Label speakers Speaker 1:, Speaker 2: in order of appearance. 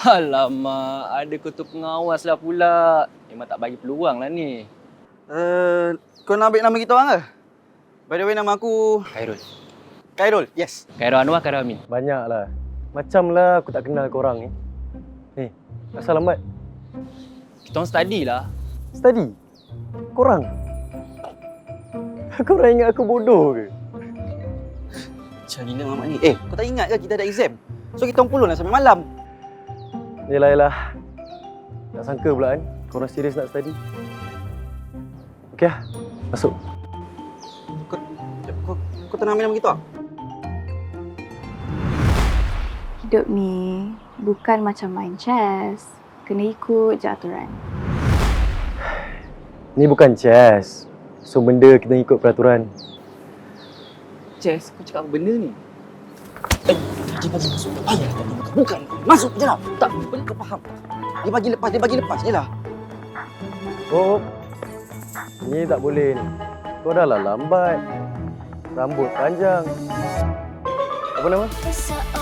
Speaker 1: Alamak, ada ketua pengawas lah pula. Memang tak bagi peluang lah ni.
Speaker 2: Kau nak ambil nama kita orang ke? By the way, nama aku
Speaker 1: Khairul.
Speaker 2: Khairul, yes.
Speaker 1: Khairul Anwar, Khairul Amin.
Speaker 3: Banyak lah. Macam lah aku tak kenal korang ni. Ni, asal lambat?
Speaker 1: Kita orang study lah.
Speaker 3: Study? Korang? Korang ingat aku bodoh ke?
Speaker 2: Macam gila Mamat ni. Kau tak ingat ke kita ada exam? So kita orang puluh lah sampai malam.
Speaker 3: Yelah. Tak sangka pula kan, korang serius nak study. Okey lah, masuk.
Speaker 2: Kau tak nak ambil nama kita?
Speaker 4: Hidup ni bukan macam main chess. Kena ikut je aturan.
Speaker 3: Ni bukan chess. So benda kita ikut peraturan.
Speaker 1: Jess, kau cakap apa benda ni?
Speaker 2: Dia bagi masuk. Tak payah tak buka. Bukan. Masuk je lah. Tak, benda kau faham. Dia bagi lepas je lah.
Speaker 3: Oh, ni tak boleh ni. Kau dah lah lambat. Rambut panjang. Apa nama?